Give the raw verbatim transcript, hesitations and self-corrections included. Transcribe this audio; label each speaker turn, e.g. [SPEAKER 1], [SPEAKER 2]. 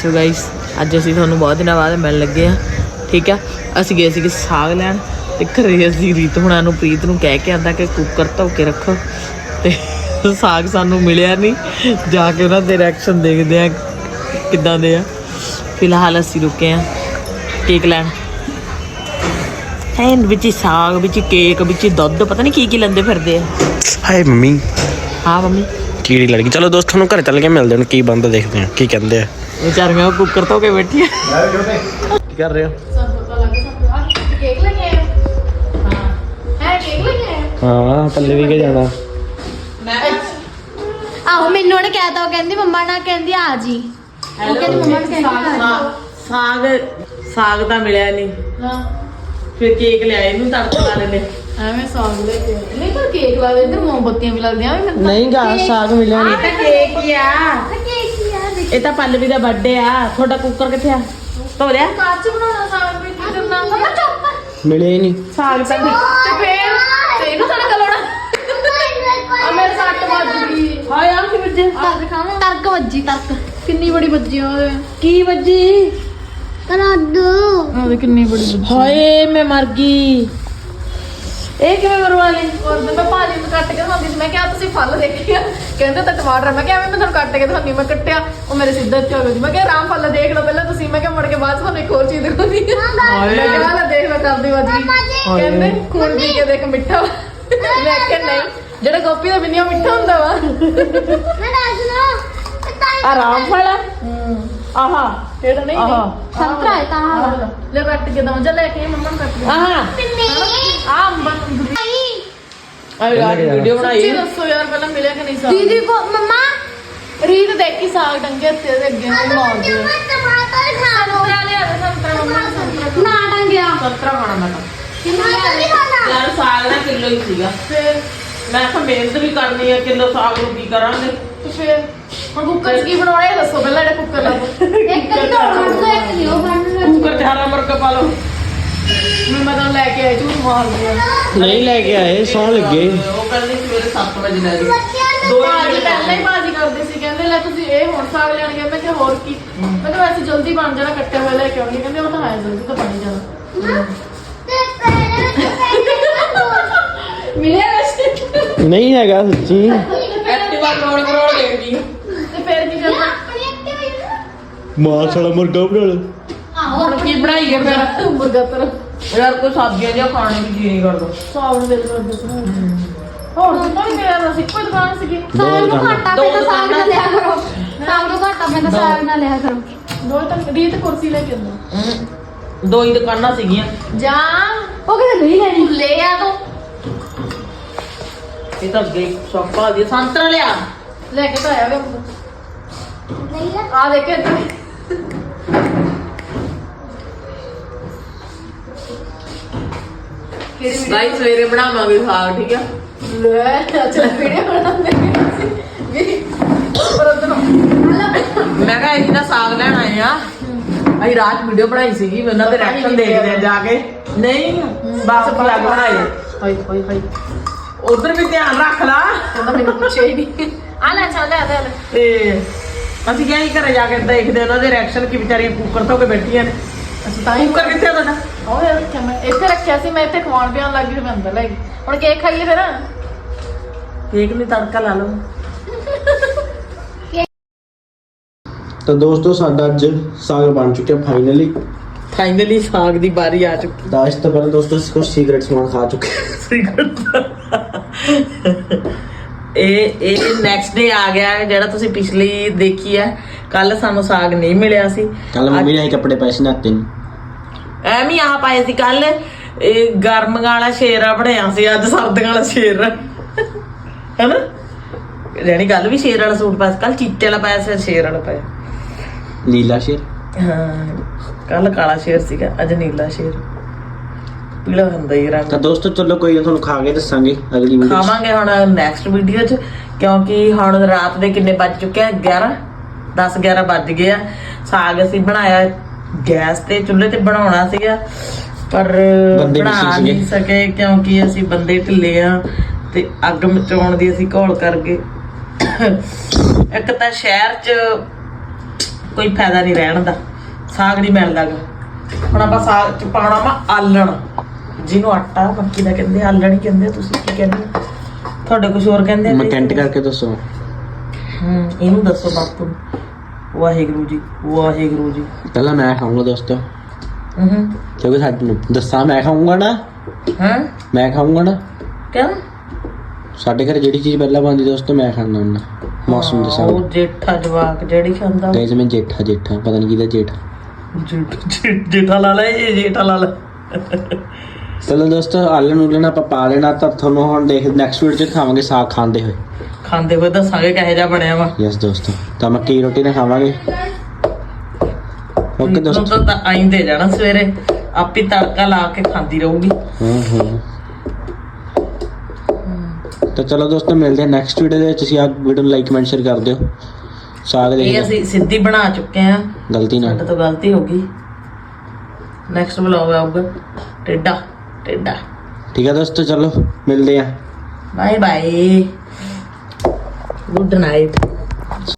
[SPEAKER 1] So guys अज असीं तुहानूं बहुत दिनों बाद मिल लगे हाँ ठीक है। असीं गए सीगे साग लैण ते घरे असीं रीत हुणां नूं प्रीत नूं कह के आंदा कि कुकर धो के रखो ते साग सानूं मिलिया नहीं। जाके उन्हां दे रिएक्शन देखदे आ किद्दां दे आ। फिलहाल असीं रुके हैं केक लैण एंड विच साग विच केक विच दुध पता नहीं की की लैंदे फिरदे आ।
[SPEAKER 2] हाय मम्मी।
[SPEAKER 1] हाँ मम्मी
[SPEAKER 2] कीड़ी लड़ गई। चलो दोस्तों नूं घर चल के मिलदे हैं की बनदा देखदे हैं की कहंदे आ।
[SPEAKER 1] बेचारियां कुकर धो के बैठी है।
[SPEAKER 2] की कर रहे हो? हाँ पल्ले भी के जाना
[SPEAKER 3] आहो मैनू ने कहता कहती मम्मा ना कहती आ जी वो कहती मम्मा ने कहती
[SPEAKER 1] साग साग ਤਾਂ ਮਿਲਿਆ ਨਹੀਂ। ਹਾਂ ਫਿਰ ਕੇਕ ਲਿਆਏ ਇਹਨੂੰ ਤੜਕਾ ਲਾ ਲੈਨੇ ਐਵੇਂ ਸਾਗ ਲੈ ਕੇ ਨਹੀਂ ਪਰ ਕੇਕ ਲਾ ਦੇ ਇੱਧਰ ਮੋਮਬੱਤੀਆਂ ਵੀ ਲੱਗਦੀਆਂ ਵੀ ਨਹੀਂ ਗਾ ਸਾਗ ਮਿਲਿਆ ਨਹੀਂ ਤਾਂ ਕੇਕ ਹੀ ਆ
[SPEAKER 3] केक ही यार
[SPEAKER 1] ਇਹ ਤਾਂ ਪੱਲਵੀ ਦਾ ਬਰਥਡੇ ਆ। ਤੁਹਾਡਾ ਕੁੱਕਰ ਕਿੱਥੇ ਆ? ਧੋ ਲਿਆ
[SPEAKER 3] काच बनाना साग भी करना मम्मा चुप
[SPEAKER 2] मिले ही नहीं
[SPEAKER 1] ਸਾਗ ਤਾਂ
[SPEAKER 3] ते फिर ते इनु तड़का लाना आ मेरे सट ਵੱਜ ਗਈ
[SPEAKER 1] ਹਾਏ ਆ ਕੀ ਵੱਜੇ
[SPEAKER 3] ਆ ਦਿਖਾਵਾਂ ਤਰਕ ਵੱਜੀ ਤਰਕ ਕਿੰਨੀ ਬੜੀ ਵੱਜੀ ਓਏ
[SPEAKER 1] ਕੀ ਵੱਜੀ
[SPEAKER 3] ਕਰਾਦੂ
[SPEAKER 1] ਉਹਦੇ ਕਿੰਨੀ ਬੜੀ ਵੱਜੀ ਹਾਏ ਮੈਂ ਮਰ ਗਈ। ਇਹ ਕਿਵੇਂ ਮਰਵਾ ਲਈ?
[SPEAKER 4] और मैं भाजी ਨੂੰ ਕੱਟ ਕੇ ਦਿਖਾਉਂਦੀ ਸੀ। ਮੈਂ ਕਿਹਾ ਤੁਸੀਂ ਫਲ ਦੇਖਿਆ ਕਹਿੰਦੇ ਤਾਂ ਟਮਾਟਰ। ਮੈਂ ਕਿਹਾ ਐਵੇਂ ਮੈਂ ਤੁਹਾਨੂੰ ਕੱਟ ਕੇ ਦਿਖਾਉਂਦੀ। ਮੈਂ ਕੱਟਿਆ ਉਹ ਮੇਰੇ ਸਿੱਧਾ ਚ ਹੋ ਗਈ। ਮੈਂ ਕਿਹਾ ਆਰਾਮ ਫਲ ਦੇਖ ਲਓ ਪਹਿਲਾਂ ਤੁਸੀਂ। ਮੈਂ ਕਿਹਾ ਮੁੜ ਕੇ ਬਾਅਦ 'ਚ ਤੁਹਾਨੂੰ ਇੱਕ ਹੋਰ ਚੀਜ਼ ਦਿਖਾਉਂਦੀ ਹਾਂ। ਮੈਂ ਕਿਹਾ ਲੈ ਦੇਖ ਲਓ ਕਰਦੀ ਵਾਜੀ ਕਹਿੰਦੇ ਖੂਨ ਪੀ ਕੇ ਦੇਖ ਮਿੱਠਾ ਵਾ। ਮੈਂ ਕਿਹਾ ਨਹੀਂ ਜਿਹੜਾ ਗੋਪੀ ਦਾ ਬਿੰਨੀਆ ਮਿੱਠਾ ਹੁੰਦਾ ਵਾ।
[SPEAKER 3] मैं दास नो
[SPEAKER 1] ਆਰਾਮ ਫਲ ਆਹਾ
[SPEAKER 4] ਕਿਹੜਾ ਨਹੀਂ
[SPEAKER 1] ਆਹਾ
[SPEAKER 3] संतरा है कहां
[SPEAKER 4] ਲੈ ਕੱਟ ਕੇ ਦਵਾਂ ਜਾਂ ਲੈ ਕੇ ਮੰਮਾ ਨੂੰ ਕੱਟ ਕੇ
[SPEAKER 1] ਆਹਾ
[SPEAKER 4] ਆ ਅੰਬਾਂ ਨੂੰ
[SPEAKER 1] ਅਰੇ ਯਾਰ ਵੀਡੀਓ ਬਣਾਈ
[SPEAKER 4] ਸੱਚੀ ਦੱਸੋ ਯਾਰ ਪਹਿਲਾਂ ਮਿਲਿਆ ਕਿ ਨਹੀਂ ਸਾਗ?
[SPEAKER 3] दीदी को मम्मा
[SPEAKER 4] ਰੀਤ ਦੇਖੀ ਸਾਗ ਡੰਗੇ ਤੇ ਦੇ ਅੱਗੇ ਨੂੰ ਮਾਰਦੇ ਆ।
[SPEAKER 3] टमाटर खा लो
[SPEAKER 4] ਸੰਤਰਾ ਲਿਆ ਦੇ ਸੰਤਰਾ ਮੰਮਾ ਨੇ ਸੰਤਰਾ
[SPEAKER 3] ना डंगया
[SPEAKER 1] ਸੰਤਰਾ ਖਾਣਾ ਮੈਂ ਤਾਂ
[SPEAKER 3] टमाटर नहीं खाना
[SPEAKER 1] ਯਾਰ ਸਾਗ ਦਾ ਕਿਲੋ ਹੀ ਸੀਗਾ।
[SPEAKER 4] ਫਿਰ
[SPEAKER 1] ਮੈਂ ਤਾਂ ਮਿਹਨਤ ਵੀ ਕਰਨੀ ਆ ਕਿਲੋ ਸਾਗ ਨੂੰ ਕੀ ਕਰਾਂਗੇ।
[SPEAKER 4] ਤੇ ਫਿਰ ਹੁਣ ਕੁੱਕਰ 'ਚ ਕੀ ਬਣਾਉਣਾ ਇਹ ਦੱਸੋ ਪਹਿਲਾਂ ਜਿਹੜਾ ਕੁੱਕਰ ਲੱਭੋ।
[SPEAKER 3] एक कल तो और तो एक लियो बनना
[SPEAKER 1] ਕੁੱਕਰ ਚ ਹਰਾ ਮੁਰਗਾ ਪਾ ਲਓ।
[SPEAKER 4] ਮੈਂ ਮੈਂ ਤਾਂ ਲੈ ਕੇ ਆਈ ਝੂਠ ਮਾਰਦੀ ਆ।
[SPEAKER 2] नहीं लेके आए सौ लगे।
[SPEAKER 1] ਉਹ ਕਹਿੰਦੀ ਸਵੇਰੇ ਸੱਤ ਵਜੇ ਲੈ ਜੀ
[SPEAKER 4] ਦੋ ਭਾਜੀ ਪਹਿਲਾਂ ਹੀ ਭਾਜੀ ਕਰਦੇ ਸੀ ਕਹਿੰਦੇ ਲੈ ਤੁਸੀਂ ਇਹ ਹੁਣ ਸਾਗ ਲੈਣ ਗਏ। ਮੈਂ ਕਿਹਾ ਹੋਰ ਕੀ। ਮੈਂ ਕਿਹਾ ਵੈਸੇ ਜਲਦੀ ਬਣ ਜਾਣਾ ਕੱਟਿਆ ਹੋਇਆ ਲੈ ਕੇ ਆਉਣੀ। ਕਹਿੰਦੇ ਉਹ ਤਾਂ ਹੈ ਜਲਦੀ ਤਾਂ ਬਣ ਹੀ ਜਾਣਾ। ਮਿਲਿਆ ਵੈਸੇ
[SPEAKER 2] नहीं हैगा सच्ची।
[SPEAKER 1] ਐਕਟਿਵਾ ਕਰੋੜ ਕਰੋੜ ਦੇ ਦੀ
[SPEAKER 4] ਤੇ ਫਿਰ ਕੀ ਕਰਨਾ?
[SPEAKER 2] मां साला मुर्गा बना लो।
[SPEAKER 1] ਹੁਣ ਕੀ ਬਣਾਈਏ ਫਿਰ?
[SPEAKER 4] ਮੁਰਗਾ ਤਰ
[SPEAKER 1] ਯਾਰ ਕੋਈ ਸਬਜ਼ੀਆਂ ਜਿਹਾ ਖਾਣ ਨੂੰ ਜੀ ਨਹੀਂ ਕਰਦਾ।
[SPEAKER 4] ਸਾਗ ਨੂੰ ਦਿਲ ਕਰਦਾ ਸੀ। ਹੋਰ ਤਾਂ ਨਹੀਂ ਮੇਰਾ ਤਾਂ ਇੱਕੋ ਹੀ ਦੁਕਾਨ ਸੀਗੀ।
[SPEAKER 3] साग नु घाटा पे तो साग ना लिया करो साग नु घाटा पे तो साग ना लिया करो
[SPEAKER 4] ਦੋ ਤਾਂ ਰੀਤ ਕੁਰਸੀ ਲੈ ਕੇ ਆਉਂਦਾ
[SPEAKER 1] ਦੋ ਹੀ ਦੁਕਾਨਾਂ ਸੀਗੀਆਂ।
[SPEAKER 4] ਜਾਂ
[SPEAKER 3] ओ कहते नहीं लेनी
[SPEAKER 4] ਲੈ ਆ ਤੂੰ
[SPEAKER 1] ਇਹ ਤਾਂ ਅੱਗੇ ਸੌਪਾ ਦੀ ਸੰਤਰਾ ਲਿਆ।
[SPEAKER 4] ਲੈ ਕੇ ਤਾਂ ਆਇਆ ਵੇ
[SPEAKER 3] नहीं ले
[SPEAKER 4] ਆ ਦੇਖ ਇੱਧਰ ਕਿਹੜੀ
[SPEAKER 1] ਗਾਈ ਸਵੇਰੇ ਬਣਾਵਾਂਗੇ ਸਾਗ ਠੀਕ ਆ।
[SPEAKER 4] ਲੈ ਅੱਛਾ ਵੀਡੀਓ ਬਣਾਉਂਦੇ ਵੀ ਪਰ ਉਧਰੋਂ
[SPEAKER 1] ਮੈਂ ਕਿਹਾ ਅਸੀਂ ਨਾ ਸਾਗ ਲੈਣ ਆਏ ਆ। ਅਸੀਂ ਰਾਤ ਵੀਡੀਓ ਬਣਾਈ ਸੀਗੀ ਮੈਂ ਉਹਨਾਂ ਦੇ ਰਿਐਕਸ਼ਨ ਦੇਖਦੇ ਆ ਜਾ ਕੇ। ਨਹੀਂ ਬਸ ਪਲੱਗ ਬਣਾਏ
[SPEAKER 4] ਹਾਈ ਹਾਈ ਹਾਈ
[SPEAKER 1] ਉਧਰ ਵੀ ਧਿਆਨ ਰੱਖ ਲਾ।
[SPEAKER 4] ਕਹਿੰਦਾ ਮੈਨੂੰ ਪੁੱਛਿਆ ਹੀ ਨਹੀਂ। ਆ ਲੈ ਚੱਲ ਲੈ ਲੈ
[SPEAKER 1] ਤੇ ਅਸੀਂ ਕਿਹਾ ਹੀ ਘਰੇ ਜਾ ਕੇ ਦੇਖਦੇ ਉਹਨਾਂ ਦੇ ਰਿਐਕਸ਼ਨ ਕੀ ਵਿਚਾਰੀਆਂ ਕੁੱਕਰ ਤੋਂ ਕੇ ਬੈਠੀਆਂ ਨੇ।
[SPEAKER 4] ਅੱਛਾ ਤਾਂ ਹੀ
[SPEAKER 1] ਕੁੱਕਰ ਕਿੱਥੇ ਆ ਤੁਹਾਡਾ?
[SPEAKER 4] ਉਹ ਯਾਰ ਰੱਖਿਆ ਮੈਂ ਇੱਥੇ ਰੱਖਿਆ ਸੀ। ਮੈਂ ਇੱਥੇ ਖਵਾਉਣ ਪਿਆਉਣ ਲੱਗ ਗਈ ਤੇ ਮੈਂ ਅੰਦਰ ਲੈ ਗਈ। ਹੁਣ ਕੇਕ ਖਾਈਏ ਫਿਰ।
[SPEAKER 1] ਕੇਕ ਲਈ ਤੜਕਾ ਲਾ ਲਓ।
[SPEAKER 2] तो दोस्तों साडा अज साग बन चुका फाइनली।
[SPEAKER 1] ਫਾਈਨਲੀ ਸਾਗ ਦੀ ਵਾਰੀ ਆ ਚੁੱਕੀ।
[SPEAKER 2] दाश तो पहले दोस्तों कुछ सीक्रेट सामान खा चुके
[SPEAKER 1] ਇਹ ਇਹ ਨੈਕਸਟ ਡੇ ਆ ਗਿਆ ਹੈ ਜਿਹੜਾ ਤੁਸੀਂ ਪਿਛਲੀ ਦੇਖੀ ਹੈ। ਕੱਲ ਸਾਨੂੰ ਸਾਗ ਨਹੀਂ ਮਿਲਿਆ ਸੀ।
[SPEAKER 2] कल मम्मी ने कपड़े पैसे नहाते नहीं।
[SPEAKER 1] ਐਵੇਂ ਆਹ ਪਾਏ ਸੀ ਕੱਲ। ਇਹ ਗਰਮ ਵਾਲਾ ਸ਼ੇਰਾ ਬਣਿਆ ਸੀ ਅੱਜ ਸਰਦੀਆਂ ਵਾਲਾ ਸ਼ੇਰ ਹੈਨਾ। ਜਾਨੀ ਕੱਲ ਵੀ ਸ਼ੇਰ ਵਾਲਾ ਸੂਟ ਪਾਇਆ ਕੱਲ ਚਿੱਟੇ ਵਾਲਾ ਪਾਇਆ ਸੀ ਸ਼ੇਰ ਵਾਲਾ ਪਾਇਆ।
[SPEAKER 2] नीला शेर
[SPEAKER 1] ਹਾਂ ਕੱਲ ਕਾਲਾ ਸ਼ੇਰ ਸੀਗਾ ਅੱਜ ਨੀਲਾ ਸ਼ੇਰ ਪੀਲਾ ਹੁੰਦਾ ਹੀ ਰੰਗ।
[SPEAKER 2] तो दोस्तों चलो कोई ना, ਤੁਹਾਨੂੰ ਖਾ ਕੇ ਦੱਸਾਂਗੇ ਅਗਲੀ ਵੀਡੀਓ।
[SPEAKER 1] ਖਾਵਾਂਗੇ ਹੁਣ ਨੈਕਸਟ ਵੀਡੀਓ 'ਚ ਕਿਉਂਕਿ ਹੁਣ ਰਾਤ ਦੇ ਕਿੰਨੇ ਵੱਜ ਚੁੱਕੇ ਆ ਗਿਆਰਾਂ ਦਸ ਗਿਆਰਾਂ ਵੱਜ ਗਏ ਆ। ਸਾਗ ਅਸੀਂ ਬਣਾਇਆ ਗੈਸ ਤੇ ਚੁੱਲ੍ਹੇ ਤੇ ਬਣਾਉਣਾ ਸੀਗਾ ਪਰ ਬਣਾ ਨਹੀਂ ਸਕੇ ਕਿਉਂਕਿ ਅਸੀਂ ਬੰਦੇ ਢਿੱਲੇ ਆ ਤੇ ਅੱਗ ਮਚਾਉਣ ਦੀ ਅਸੀਂ ਘੋਲ ਕਰ ਗਏ। ਇੱਕ ਤਾਂ ਸ਼ਹਿਰ 'ਚ ਕੋਈ ਫਾਇਦਾ ਨਹੀਂ ਰਹਿਣ ਦਾ। ਸਾਗ ਨਹੀਂ ਮਿਲਦਾ ਗਾ। ਹੁਣ ਆਪਾਂ ਸਾਗ ਚ ਪਾਉਣਾ ਵਾ ਆਲਣ, ਜਿਹਨੂੰ ਆਟਾ ਮੱਕੀ ਦਾ ਕਹਿੰਦੇ, ਆਲਣ ਹੀ ਕਹਿੰਦੇ। ਤੁਸੀਂ ਕੀ ਕਹਿੰਦੇ ਹੋ? ਤੁਹਾਡੇ ਕੁਝ ਹੋਰ ਕਹਿੰਦੇ ਆ?
[SPEAKER 2] ਮੈਂ ਕੈਂਟ ਕਰਕੇ ਦੱਸੋ।
[SPEAKER 1] ਹੂੰ ਇਹਨੂੰ ਦੱਸੋ ਬਾਪੂ ਨੂੰ। ਵਾਹਿਗੁਰੂ ਜੀ ਵਾਹਿਗੁਰੂ ਜੀ।
[SPEAKER 2] ਪਹਿਲਾਂ ਮੈਂ ਖਾਊਂਗਾ ਦੋਸਤੋ,
[SPEAKER 1] ਹੂੰ
[SPEAKER 2] ਕਿਉਂਕਿ ਸਾਨੂੰ ਦੱਸਾਂ ਮੈਂ ਖਾਊਂਗਾ ਨਾ,
[SPEAKER 1] ਹਾਂ
[SPEAKER 2] ਮੈਂ ਖਾਊਂਗਾ ਨਾ।
[SPEAKER 1] ਕਿਉਂ?
[SPEAKER 2] ਸਾਡੇ ਘਰ ਜਿਹੜੀ ਚੀਜ਼ ਪਹਿਲਾਂ ਬਣਦੀ ਦੋਸਤੋ ਮੈਂ ਖਾਣਾ ਹੁੰਦਾ। ਮੌਸਮ ਦੇ
[SPEAKER 1] ਉਹ
[SPEAKER 2] ਸਾਗ।
[SPEAKER 1] ਜੇਠਾ ਜਵਾਕ ਜਿਹੜੀ ਖਾਂਦਾ
[SPEAKER 2] ਗਾਇਸ ਮੈਂ ਜੇਠਾ ਜੇਠਾ ਪਤਾ ਨਹੀਂ ਕਿਹਦਾ ਜੇਠਾ।
[SPEAKER 1] ਜੇਠ- ਜੇਠਾ ਲਾ ਲੈ ਇਹ ਜੇਠਾ ਲਾ ਲੈ।
[SPEAKER 2] ਚਲੋ ਦੋਸਤੋ ਆਲਣ ਉਲਣ ਆਪਾਂ ਪਾ ਲੈਣਾ, ਤਾਂ ਤੁਹਾਨੂੰ ਹੁਣ ਦੇਖ ਨੈਕਸਟ ਵੀਡੀਓ ਚ ਖਾਵਾਂਗੇ ਸਾਗ ਖਾਂਦੇ ਹੋਏ।
[SPEAKER 1] ਖਾਂਦੇ ਹੋਏ ਦੱਸਾਂਗੇ ਕਿਹੋ ਜਿਹਾ ਬਣਿਆ ਵਾ।
[SPEAKER 2] ਯਸ ਦੋਸਤੋ, ਤਾਂ ਮੱਕੀ ਦੀ ਰੋਟੀ ਨਾਲ ਖਾਵਾਂਗੇ। ਓਕੇ
[SPEAKER 1] ਤੂੰ
[SPEAKER 2] ਦੋਸਤੋ।
[SPEAKER 1] ਤਾਂ ਆਈਂਦੇ ਜਾਣਾ ਸਵੇਰੇ, ਆਪੇ ਤੜਕਾ ਲਾ ਕੇ ਖਾਂਦੀ ਰਹੂਗੀ।
[SPEAKER 2] ਹਾਂ ਹਾਂ ਤਾਂ ਚਲੋ ਦੋਸਤੋ ਮਿਲਦੇ ਹਾਂ ਨੈਕਸਟ ਵੀਡੀਓ ਦੇ ਵਿੱਚ। ਤੁਸੀਂ ਆ ਵੀਡੀਓ ਨੂੰ ਲਾਈਕ ਕਮੈਂਟ ਸ਼ੇਅਰ ਕਰ ਦਿਓ। ਸਾਗ
[SPEAKER 1] ਇਹ
[SPEAKER 2] ਦੇ
[SPEAKER 1] ਅਸੀਂ ਸਿੱਧੀ ਬਣਾ ਚੁੱਕੇ ਆ,
[SPEAKER 2] ਗਲਤੀ ਨਾਲ।
[SPEAKER 1] ਸਾਡੇ ਤੋਂ ਗਲਤੀ ਹੋ ਗਈ। ਨੈਕਸਟ ਵਲੌਗ ਆਊਗਾ ਟੇਡਾ ਟੇਡਾ।
[SPEAKER 2] ਠੀਕ ਹੈ ਦੋਸਤੋ, ਚਲੋ ਮਿਲਦੇ ਹਾਂ।
[SPEAKER 1] Bye bye, good night.